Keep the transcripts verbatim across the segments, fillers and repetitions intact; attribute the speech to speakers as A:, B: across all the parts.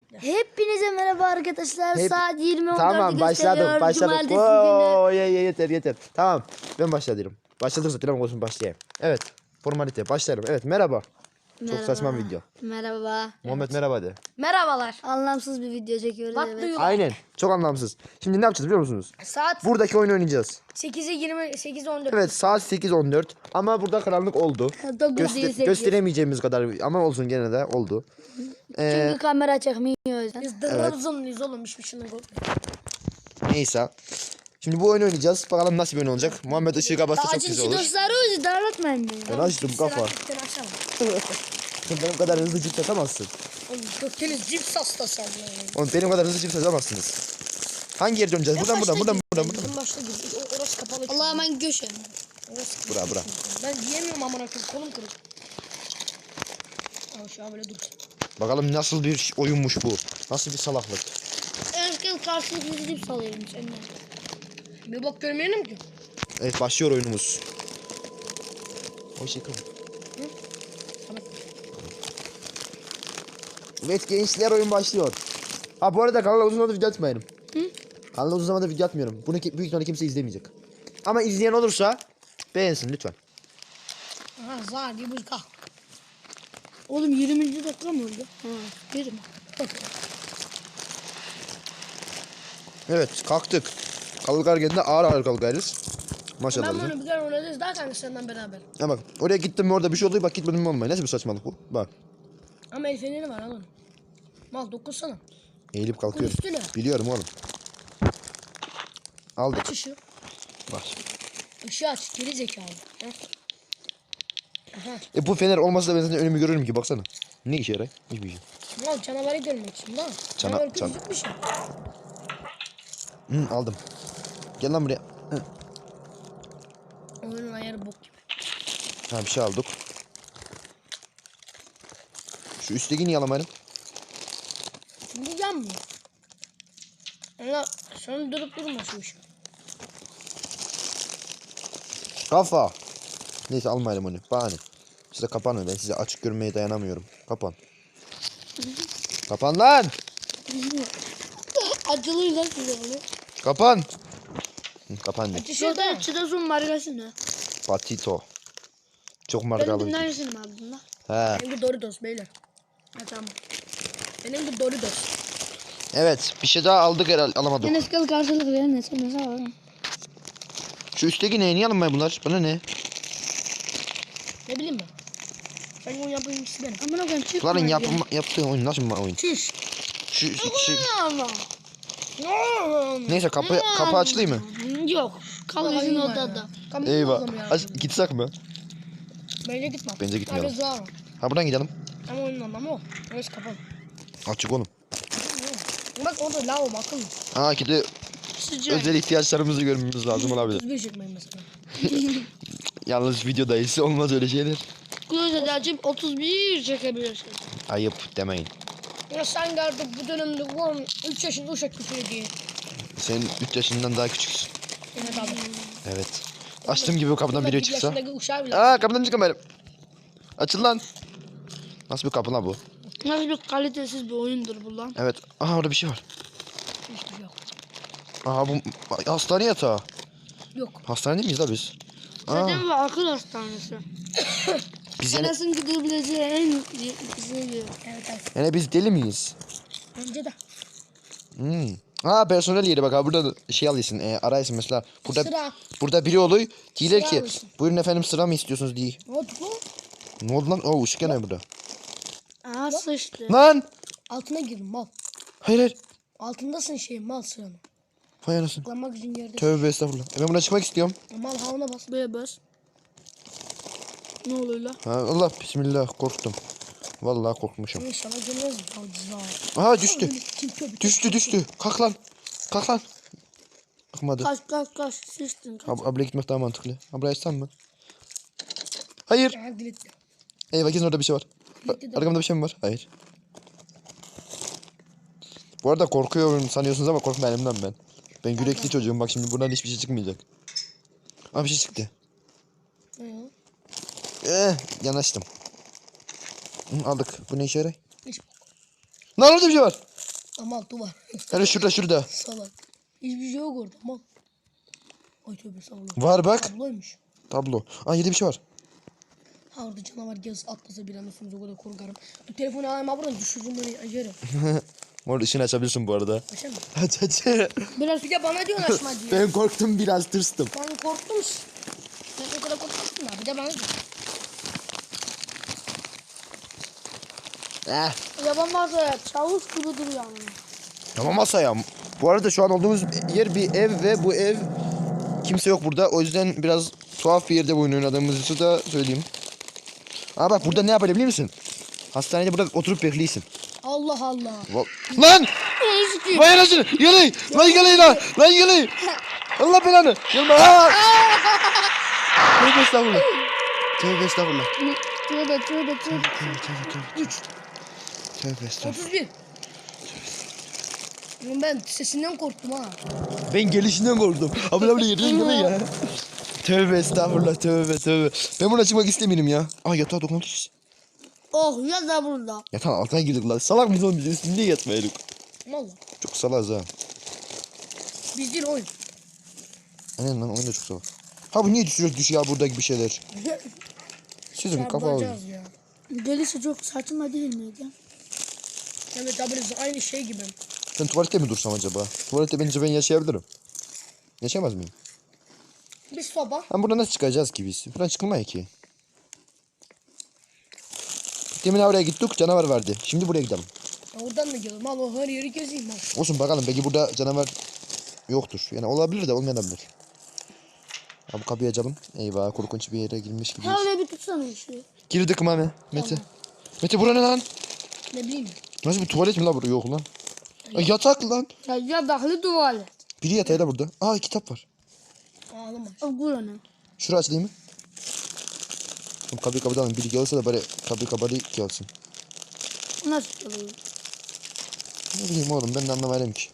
A: Hepinize merhaba arkadaşlar.
B: Hep...
A: Saat yirmi on dördü
B: Tamam başladık başladık. Oo, ye, ye, yeter yeter. Tamam ben başladım. Başladık zaten ama olsun başlayayım. Evet formalite başlayalım. Evet merhaba.
A: Merhaba.
B: Çok saçma bir video.
A: Merhaba.
B: Muhammed
A: Evet.
B: merhaba de.
C: Merhabalar.
A: Anlamsız bir video çekiyoruz.
C: Bak
A: Evet.
C: duyuyor.
B: Aynen çok anlamsız. Şimdi ne yapacağız biliyor musunuz?
C: Saat
B: Buradaki oyunu oynayacağız.
C: sekize yirmi sekiz on dört.
B: Evet saat sekiz on dört ama burada karanlık oldu.
A: dokuz
B: Göster
A: değil, sekiz.
B: gösteremeyeceğimiz kadar ama olsun gene de oldu. Ee,
A: Çünkü kamera çekmiyor o yüzden.
C: Biz Trabzonluyuz oğlum hiçbir şeyden korkmayın.
B: neyse. Şimdi bu oyunu oynayacağız. Bakalım nasıl bir oyun olacak. Muhammed ışığı kapatsa çok güzel olur.
A: Dostları ucu darlatmayın beni.
B: Ben açtım kafa.
C: Sen açalım.
B: Sen benim kadar hızlı cips atamazsın.
C: Oğlum Gökdeniz cips hastası abi.
B: Oğlum benim kadar hızlı cips atamazsınız. Hangi yere döneceğiz? Buradan buradan buradan buradan buradan.
C: En başta gir. O- Orası kapalı.
A: Allah'a ben göşem.
C: Orası
B: Bura bura.
C: Ben diyemiyorum amına koyayım kolum kırık. Al şu an böyle dur.
B: Bakalım nasıl bir oyunmuş bu. Nasıl bir salaklık.
A: Erken karşılıklı gidip salıyorum senden.
C: Bir bak görmeyelim ki.
B: Evet başlıyor oyunumuz. O şey kıvır.
C: Tamam.
B: Evet gençler oyun başlıyor. Ha bu arada kanala uzun zamandır video atmıyorum. Hı? Kanala uzun zamandır video atmıyorum. Bunu ki- büyük ihtimalle kimse izlemeyecek. Ama izleyen olursa beğensin lütfen.
C: Aha zar diye buz kalk.
A: Oğlum yirminci dakika mı oldu? Ha, bir mi?
B: Evet kalktık. Kalkarken de ağır ağır kalkarız. Maşallah.
C: Ben
B: bize.
C: bunu bir kere oynadınız daha kanka senden beraber.
B: Ha bak oraya gittim mi orada bir şey oluyor bak gitmedim mi olmuyor. Nasıl bir saçmalık bu? Bak.
C: Ama el feneri var oğlum. Mal dokunsana.
B: Eğilip kalkıyorum.
C: Üstüne.
B: Biliyorum oğlum. Aldık.
C: Aç ışığı.
B: Bak.
C: Işığı aç. Geri zekalı. Heh. Aha.
B: E bu fener olmasa da ben zaten önümü görürüm ki baksana. Ne işe yarar? Hiçbir şey.
C: Mal canavarı görmek için lan.
B: Cana-
C: Canavar
B: can-
C: gözükmüş ya.
B: Hı, aldım. Gel lan buraya. Hı.
C: Oyunun ayarı bok gibi.
B: Ha bir şey aldık. Şu üstteki niye alamayalım?
C: Bu yanmıyor. Allah sonra durup durma şu ışığı.
B: Kafa. Neyse almayalım onu. Bahane. Size kapanın. Ben size açık görmeye dayanamıyorum. Kapan. Kapan lan.
A: Acılıyla size oluyor.
B: Kapan. Hı, kapan ne?
C: Aç ışığı da.
A: Şurada çıtasın markası ne?
B: Patito. Çok
A: Benim
B: markalı.
A: dinlersin mi abi bunda?
B: He.
C: Benim bu Doritos beyler. Ha tamam. Benim bu Doritos.
B: Evet. Bir şey daha aldık herhalde. Alamadık.
A: Enes kal karşılık verin ne sen ne sağ
B: Şu üstteki ne? Niye alınmıyor bunlar? Bana ne?
C: Ne bileyim ben. Sen onu yapayım ikisi benim.
A: Amına koyayım çıkma.
B: Bunların yapım, yaptığı oyun nasıl bir oyun?
C: Çüş.
B: Şu, şu, şu-
A: Ama.
B: Neyse kapı kapı açılayım mı?
A: Yok. Kal bizim odada.
B: Eyvah. Aç, gitsek mi?
C: Bence gitme.
B: Bence gitmeyelim.
C: Abi zor.
B: Ha buradan gidelim.
C: Ama oyunun anlamı o. Orası kapalı.
B: Açık oğlum.
C: Bak orada lavabo akıllı.
B: Ha ki de
A: Sıcak.
B: özel ihtiyaçlarımızı görmemiz lazım olabilir.
C: otuz bir çekmeyin mesela.
B: Yalnız videodayız olmaz öyle şeyler.
A: Klozeti açıp otuz bir çekebilirsin.
B: Ayıp demeyin.
C: Ya sen geldik bu dönemde oğlum üç yaşında uşak küfür diye.
B: Sen üç yaşından daha küçüksün.
C: Evet abi.
B: Evet. Açtığım gibi kapıdan biri çıksa.
C: yaşındaki uşağı bile.
B: Aa kapıdan çıkamayalım. Açıl lan. Nasıl bir kapı lan bu?
A: Nasıl bir kalitesiz bir oyundur bu lan?
B: Evet. Aha orada bir şey var.
C: Hiçbir şey yok.
B: Aha bu hastane yatağı.
C: Yok.
B: Hastanede miyiz la biz? Aa,
A: Zaten bu akıl hastanesi.
B: biz yani,
A: Enes'in gidebileceği en güzel yer.
C: Evet evet.
B: yani biz deli miyiz?
C: Bence de.
B: Hmm. Aa personel yeri bak ha burada da şey alıyorsun e, araysın mesela burada
C: Sıra.
B: burada biri oluyor diyorlar
C: Sıra
B: ki
C: alıyorsun.
B: buyurun efendim sıra mı istiyorsunuz diye.
C: Ne oldu lan?
B: Ne oldu lan? Oo ışık yanıyor burada.
A: Aa sıçtı.
B: Lan!
C: Altına girdim mal.
B: Hayır hayır.
C: Altındasın şey mal sıranın.
B: Vay anasını.
C: Tıklanmak için yerde.
B: Tövbe estağfurullah. E ben buna çıkmak istiyorum.
C: Mal havuna bas.
A: Böyle bas. Ne oluyor lan?
B: Ha, Allah bismillah korktum. Vallahi korkmuşum.
C: İnşallah gelmez mi? Al
B: Aha düştü.
C: Kim köpek?
B: Düştü düştü. Kalk lan. Kalk lan. Kalkmadı.
A: Kaç kaç kaç sıçtın. Kaç.
B: Ab abla gitmek daha mantıklı. Abla açsam mı? Hayır.
C: Ha diletti.
B: Eyvah kesin orada bir şey var.
C: Diletti de.
B: Arkamda bir şey mi var? Hayır. Bu arada korkuyorum sanıyorsunuz ama korkma elimden ben. Ben yürekli çocuğum bak şimdi buradan hiçbir şey çıkmayacak. Aa bir şey çıktı.
C: Ne ya?
B: Eh yanaştım. Hı, aldık. Bu ne işe yarar?
C: Hiç bok.
B: Lan orada bir şey var.
C: Ama altı var.
B: Hani şurada şurada.
C: Salak. Hiçbir şey yok orada. Mal. Ay tövbe salak.
B: Var bak.
C: Tabloymuş.
B: Tablo. Aa yedi bir şey var.
C: Ha orada canavar gez atlasa bir anda sunuza o kadar korkarım. Bu telefonu alayım buradan düşürürüm beni acırım.
B: Orada ışığını açabilirsin bu arada.
C: Başa mı?
B: Aç aç.
C: Biraz bir de bana diyorsun açma diye.
B: Ben korktum biraz tırstım.
C: Ben korktum. Ben o kadar korkmuştum da bir de bana diyor.
B: Eh.
A: Yaban masaya çavuş gibi duruyor ama.
B: Tamam masaya. Bu arada şu an olduğumuz yer bir ev ve bu ev kimse yok burada. O yüzden biraz tuhaf bir yerde bu oyunu oynadığımızı da söyleyeyim. Aa bak burada ne yapabilir biliyor musun? Hastanede burada oturup bekliyorsun.
C: Allah Allah.
B: Va- Lan! Vay anasını! Gelin! Lan gelin lan! Lan gelin! Allah belanı! Gelme! Aa! Tövbe estağfurullah. Tövbe estağfurullah.
A: Tövbe tövbe tövbe.
C: üç.
B: Tövbe estağfurullah.
C: otuz bir. Oğlum ben sesinden korktum ha.
B: Ben gelişinden korktum. Abla abla yerine gelme ya. Tövbe estağfurullah tövbe tövbe. Ben buna çıkmak istemiyorum ya. Aa yatağa dokunmuş.
A: Oh ya da burada.
B: Yatağın altına girdik lan. Salak mıyız oğlum biz üstünde yatmayalım.
C: Valla.
B: Çok salaz ha.
C: Biz değil oyun.
B: Aynen lan oyun da çok salak. Ha bu niye düşüyor düşüyor ya buradaki bir şeyler. Sizin kafa alıyor.
C: Çarpacağız ya.
A: Gelirse çok saçma değil miydi?
C: Evet tabii aynı şey gibi.
B: Ben tuvalette mi dursam acaba? Tuvalette bence ben yaşayabilirim. Yaşayamaz mıyım?
C: Bir soba.
B: Ha buradan nasıl çıkacağız ki biz? Buradan çıkılmıyor ki. Demin oraya gittik canavar vardı. Şimdi buraya gidelim.
C: Ya oradan da gidelim. Al o her yeri gezeyim al.
B: Olsun bakalım belki burada canavar yoktur. Yani olabilir de olmayabilir. Ha bu kapıyı açalım. Eyvah korkunç bir yere girmiş gibiyiz.
A: Ha öyle bir tutsana işi.
B: Girdik Mami. Mete. Mete bura ne lan?
C: Ne bileyim.
B: Nasıl bir tuvalet mi la burada? Yok lan. Ay, yatak lan.
A: Ya yataklı tuvalet.
B: Biri yatağı da burada. Aa kitap var.
C: Ağlama.
A: O bura ne?
B: Şurayı açayım mı? Oğlum kapıyı kapatalım. Biri gelirse de bari kapıyı kapatıp gelsin.
A: Nasıl çalıyor?
B: Ne bileyim oğlum ben de anlamadım ki.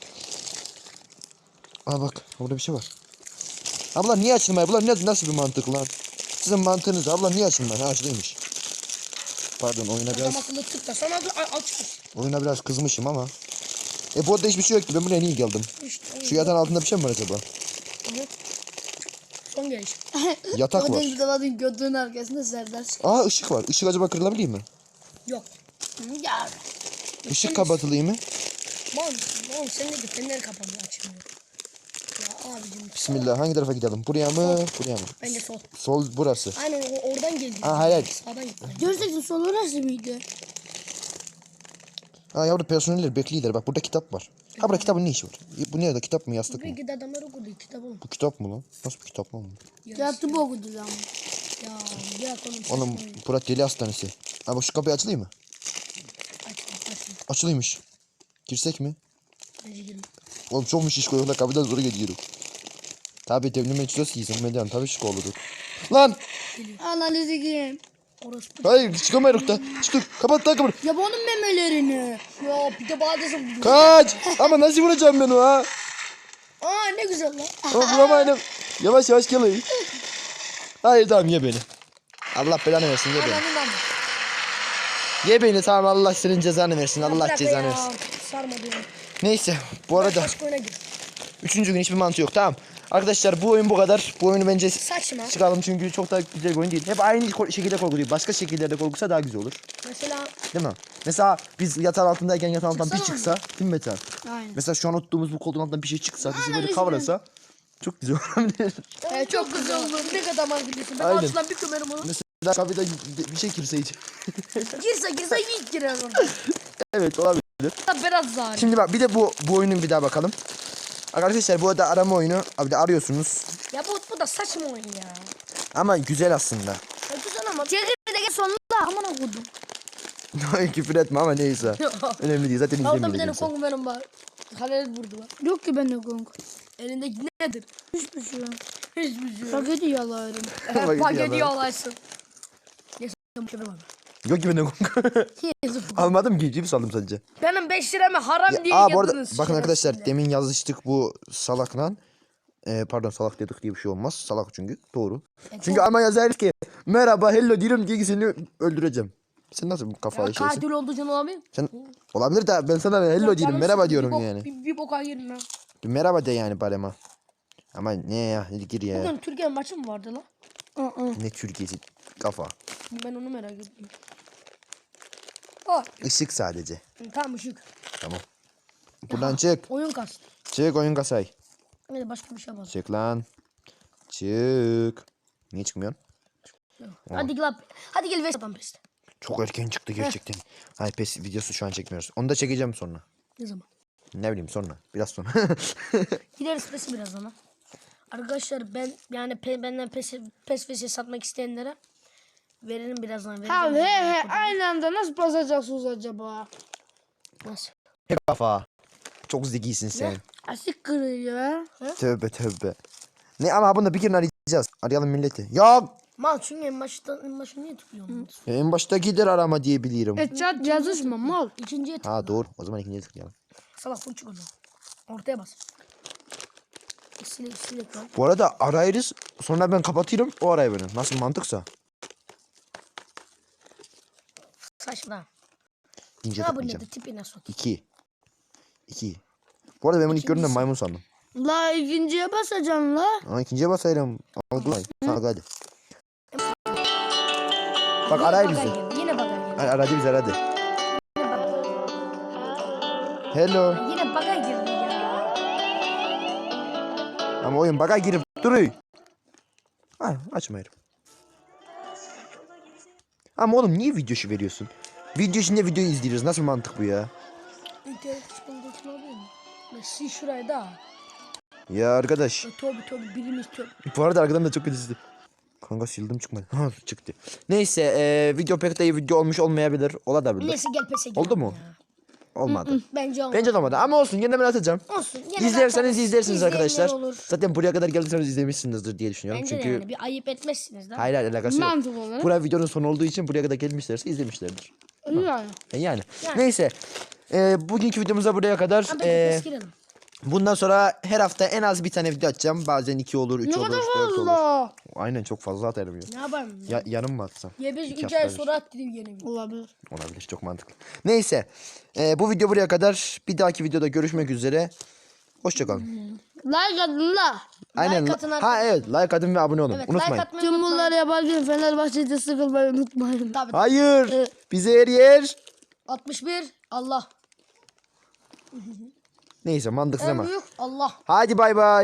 B: Aa bak burada bir şey var. Abla niye açılmıyor? Bunlar ne, nasıl bir mantık lan? Sizin mantığınız abla niye açılmıyor? Ha açılıymış. Pardon oyuna biraz
C: Adam akıllı tıkla. Sana da açmış.
B: oyuna biraz kızmışım ama. E bu arada hiçbir şey yoktu. Ben buraya niye geldim?
C: İşte.
B: Şu yatağın altında bir şey mi var acaba?
C: Evet. Son geliş.
B: Yatak var.
A: Bir de bakın götünün arkasında Serdar çıkıyor.
B: Aa ışık var. Işık acaba kırılabilir mi?
C: Yok.
A: Ya.
B: Işık kapatılıyor mu?
C: Lan, lan sen ne diyorsun? Fenler kapanıyor açmıyor. Ya abicim.
B: Bismillah hangi tarafa gidelim? Buraya mı? Buraya mı?
C: Bence sol.
B: Sol burası.
C: Aynen o- oradan geldi.
B: Aa hayır hayır.
C: Sağdan gitti.
A: Gerçekten sol orası mıydı?
B: Ha yavru personeller bekliyorlar. Bak burada kitap var. Ha burada kitabın ne işi var? Bu nerede? Kitap mı yastık mı?
C: Belki de adamlar okudu kitap oğlum.
B: Bu kitap mı lan? Nasıl bir kitap lan bu?
A: Yattı bu okudu lan.
C: Ya bırak oğlum.
B: Oğlum Burak Deli Hastanesi. Ha bak şu kapıyı açılayım mı?
C: Açma açma.
B: Açılıymış. Girsek mi?
C: Bence girme.
B: Oğlum çok mu şişko yoksa kapıdan zor geliyorum. Tabi devlime içiyoruz ki meden tabi şişko oluruz. Lan!
A: Analizi kim?
C: Orası.
B: Hayır çıkamıyoruz da. Çıktık. Kapat lan kapıyı.
A: Ya bunun memelerini.
C: Ya bir de bana desem.
B: Kaç! Ama nasıl vuracağım ben o ha?
C: Aa ne güzel lan.
B: Ama vuramaydım. Yavaş yavaş gelin. Hayır tamam ye beni. Allah belanı versin ye beni.
C: Ananın amı.
B: Ye beni tamam Allah senin cezanı versin.
C: Ya
B: Allah
C: bırak
B: cezanı
C: ya.
B: versin.
C: Sarmadı ya.
B: Neyse bu arada
C: Başka oyuna gir.
B: üçüncü gün hiçbir mantığı yok tamam. Arkadaşlar bu oyun bu kadar. Bu oyunu bence
C: Saçma.
B: çıkalım çünkü çok da güzel bir oyun değil. Hep aynı ko- şekilde korku değil. Başka şekillerde korkusa daha güzel olur.
C: Mesela
B: Değil mi? Mesela biz yatağın altındayken yatağın altından bir
C: Çıksana
B: çıksa değil mi Metehan?
A: Aynen.
B: Mesela şu an oturduğumuz bu koltuğun altından bir şey çıksa bizi böyle kavrasa çok güzel olabilir.
C: e, çok güzel oldu. Ne kadar mantıklısın. Ben
B: Aynen.
C: altından bir kömerim onu.
B: Mesela kapıda bir şey girseydi.
C: Girse girse ilk girer orada.
B: Evet olabilir.
C: Biraz zar.
B: Şimdi bak bir de bu bu oyunun bir daha bakalım. Arkadaşlar bu arada arama oyunu abi de arıyorsunuz.
C: Ya bu, bu da saçma oyun ya.
B: Ama güzel aslında.
C: Ya güzel ama.
A: Çekirdeğe sonunda aman okudum.
B: Küfür etme ama neyse. Önemli değil zaten
C: Orada bir tane
B: izlemeyeceğiz.
C: kongu benim var. Halil vurdu var.
A: Yok ki bende konk.
C: Elindeki nedir?
A: Hiçbir şey yok.
C: Hiçbir şey yok.
A: Paketi yalarım.
B: Paketi
C: Paketi
B: yalar.
C: yalaysın. Neyse köpek var.
B: Yok ki benden almadım ki cips aldım sadece.
C: Benim beş liramı haram
B: Ya,
C: diye
B: aa bu arada
C: yediniz.
B: bakın arkadaşlar
C: şerefsizler.
B: demin yazıştık bu salakla. Ee, pardon salak dedik diye bir şey olmaz. Salak çünkü doğru.
C: E,
B: Çünkü ama yazarız ki merhaba hello diyorum diye ki seni öldüreceğim. Sen nasıl bu kafalı
C: Ya
B: şeysin?
C: katil olduğu için olabilir.
B: Sen olabilir de ben sana hello
C: Yok,
B: diyorum.
C: canım
B: Merhaba
C: sıkıldı,
B: diyorum
C: bir bok-
B: yani.
C: Bir, bir boka girin ha.
B: Bir merhaba de yani barema. Ama ne ya? Hadi gir ya.
C: Bugün Türkiye'nin maçı mı vardı lan?
A: Aa.
B: Ne Türkiye'si kafa.
C: Ben onu merak ettim. Oh,
B: Işık sadece.
C: tamam ışık.
B: Tamam. Buradan çık.
C: Oyun kastı.
B: Çık oyun kasay.
C: Hadi başka bir şey yapalım.
B: Çık lan. Çık. Niye çıkmıyorsun?
C: Hadi gel. Hadi gel Vesat'tan pes.
B: Çok erken çıktı gerçekten. Hayır pes videosu şu an çekmiyoruz. Onu da çekeceğim sonra.
C: Ne zaman?
B: Ne bileyim sonra. Biraz sonra.
C: Gideriz pesi birazdan ha. Arkadaşlar ben yani pe, benden pes pes pes satmak isteyenlere veririm birazdan. Vereceğim.
A: Abi he he aynı anda nasıl basacaksınız acaba?
C: Nasıl?
B: Hep kafa. Çok zekisin sen.
A: Asik kırıyor ya.
B: Tövbe tövbe. Ne ama bunu bir kere arayacağız. Arayalım milleti. Ya
C: Mal çünkü en başta en başta niye tıklıyorsun?
B: en başta gider arama diye biliyorum.
A: E chat yazışma mal.
C: İkinciye tıkla.
B: Ha doğru. O zaman ikinciye tıklayalım.
C: Salak full çık o zaman. Ortaya bas. Silek silek lan.
B: Bu arada arayırız. Sonra ben kapatıyorum. O arayı verin. Nasıl mantıksa.
C: Saçma.
B: İkinci
C: Ne bu
B: tıklayacağım.
C: nedir tipine sok.
B: İki. İki. Bu arada ben bunu ilk gördüğümde
C: İkincisi.
B: maymun sandım.
A: La ikinciye basacaksın la.
B: Ama ikinciye basayım. Algılay. Sana hadi. Bak arayır
C: Bagay
B: bizi.
C: girdi. Yine bagay girdi.
B: Ar- Aradı bizi aradı.
C: Yine bagay.
B: Hello.
C: Yine bagay girdi ya.
B: Ama oyun baka girip duruyor. Ha açmayırım. Ama oğlum niye video işi veriyorsun? Video içinde videoyu izliyoruz. Nasıl mantık bu ya?
C: İnternet çıkıntısı olabilir mi? Sil şurayı da.
B: Ya arkadaş.
C: Tövbe tövbe birimiz tövbe.
B: Bu arada arkadan da çok kötü izledim. Kanka sildim çıkmadı. Ha çıktı. Neyse e, video pek de iyi video olmuş olmayabilir. Olabilir.
C: Neyse gel pese gel.
B: Oldu mu? Olmadı.
C: Bence olmadı.
B: Bence de olmadı ama olsun yine ben atacağım.
C: Olsun. Gene
B: İzlerseniz
C: bakarız.
B: izlersiniz
C: İzleyenler
B: arkadaşlar.
C: Olur.
B: Zaten buraya kadar geldiyseniz izlemişsinizdir diye düşünüyorum.
C: Bence
B: Çünkü
C: de yani bir ayıp etmezsiniz değil mi?
B: hayır hayır alakası yok.
A: Mantık olarak.
B: Buraya videonun sonu olduğu için buraya kadar gelmişlerse izlemişlerdir.
A: Yani.
B: E yani.
C: Yani.
B: Neyse. E, bugünkü videomuzda buraya kadar.
C: Tamam
B: E,
C: pes girelim.
B: bundan sonra her hafta en az bir tane video atacağım. Bazen iki olur, üç
A: Ne
B: olur,
A: kadar
B: dört olur.
A: fazla.
B: Aynen çok fazla atarım ya.
C: Ne yapalım?
B: Ya yarım mı atsam?
C: Ya biz
B: İki
C: üç ay
B: hafta bir.
C: sonra at dedim yine bir.
A: Olabilir.
B: Olabilir çok mantıklı. Neyse. e, bu video buraya kadar. Bir dahaki videoda görüşmek üzere. Hoşçakalın.
A: Like atın la.
B: Aynen.
C: Like atın
B: ha
C: arkadaşlar.
B: evet like atın ve abone olun.
C: Evet
B: Unutmayın.
C: like atmayı
A: Tüm
C: unutmayın.
A: bunları yaparken Fenerbahçe'de sıkılmayı unutmayın.
C: Tabii.
B: Hayır. Bize her yer.
C: altmış bir Allah.
B: Neyse mantıksız
C: En
B: ama.
C: büyük Allah.
B: Hadi bay bay.